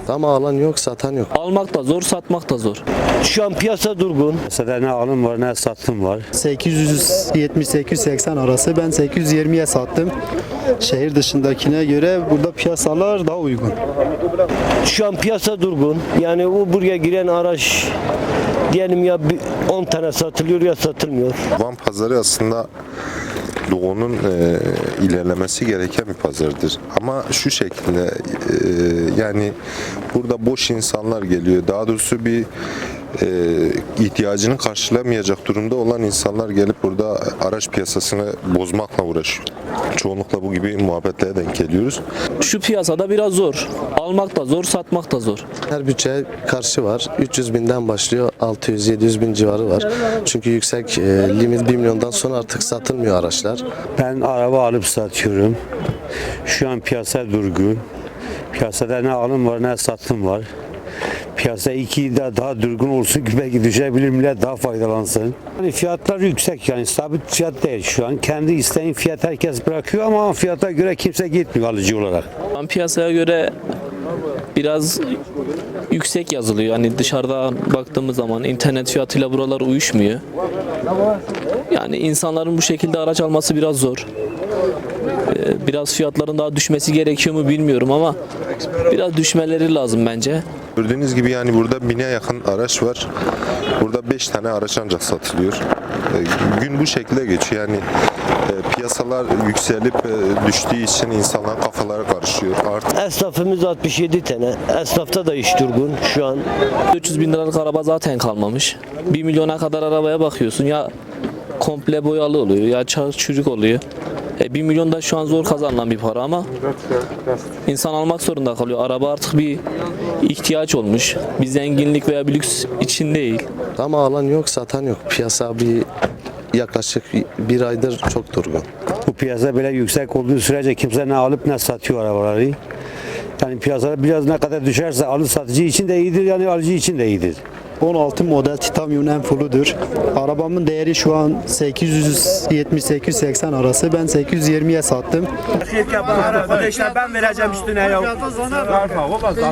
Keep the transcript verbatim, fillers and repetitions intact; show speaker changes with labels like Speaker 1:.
Speaker 1: Ama alan yok, satan yok.
Speaker 2: Almak da zor, satmak da zor.
Speaker 3: Şu an piyasa durgun.
Speaker 4: Piyasada ne alım var ne satım var.
Speaker 5: sekiz yüz yetmiş sekiz yüz seksen arası, ben sekiz yüz yirmiye sattım. Şehir dışındakine göre burada piyasalar daha uygun.
Speaker 3: Şu an piyasa durgun. Yani o buraya giren araç diyelim ya on tane satılıyor ya satılmıyor.
Speaker 6: Van pazarı aslında Doğu'nun e, ilerlemesi gereken bir pazardır. Ama şu şekilde e, yani burada boş insanlar geliyor. Daha doğrusu bir e, ihtiyacını karşılamayacak durumda olan insanlar gelip burada araç piyasasını bozmakla uğraşıyor. Çoğunlukla bu gibi muhabbetlere denk geliyoruz.
Speaker 2: Şu piyasada biraz zor. Almak da zor, satmak da zor.
Speaker 1: Her bütçeye karşı var. üç yüz binden başlıyor, altı yüz yedi yüz bin civarı var. Çünkü yüksek e, limit bir milyondan sonra artık satılmıyor araçlar.
Speaker 4: Ben araba alıp satıyorum. Şu an piyasa durgun. Piyasada ne alım var ne satım var. Piyasa iki de daha durgun olsun ki belki düşebilir, millet daha faydalansın. Yani fiyatlar yüksek, yani sabit fiyat değil şu an. Kendi isteğin fiyat herkes bırakıyor ama fiyata göre kimse gitmiyor alıcı olarak.
Speaker 2: Şu an piyasaya göre biraz yüksek yazılıyor. Hani dışarıda baktığımız zaman internet fiyatıyla buralar uyuşmuyor. Yani insanların bu şekilde araç alması biraz zor. Ee, Biraz fiyatların daha düşmesi gerekiyor mu bilmiyorum ama biraz düşmeleri lazım bence.
Speaker 6: Gördüğünüz gibi yani burada bine yakın araç var. Burada beş tane araç ancak satılıyor. E, gün bu şekilde geçiyor. Yani e, piyasalar yükselip e, düştüğü için insanların kafaları karışıyor. Artık
Speaker 3: Esnafımız altmış yedi tane. Esnafta da iş durgun şu an.
Speaker 2: üç yüz bin liralık araba zaten kalmamış. bir milyona kadar arabaya bakıyorsun ya komple boyalı oluyor ya çarık çürük oluyor. E, bir milyon da şu an zor kazanılan bir para ama insan almak zorunda kalıyor. Araba artık bir ihtiyaç olmuş. Bir zenginlik veya bir lüks için değil.
Speaker 1: Ama alan yok, satan yok. Piyasa bir yaklaşık bir aydır çok durgun.
Speaker 4: Bu piyasa böyle yüksek olduğu sürece kimse ne alıp ne satıyor arabaları. Yani piyasada biraz ne kadar düşerse alı satıcı için de iyidir, yani alıcı için de iyidir.
Speaker 5: on altı model titanyum en fullüdür. Arabamın değeri şu an sekiz yüz yetmiş sekiz yüz seksen arası, ben sekiz yüz yirmiye sattım.
Speaker 7: Ben vereceğim üstüne ya.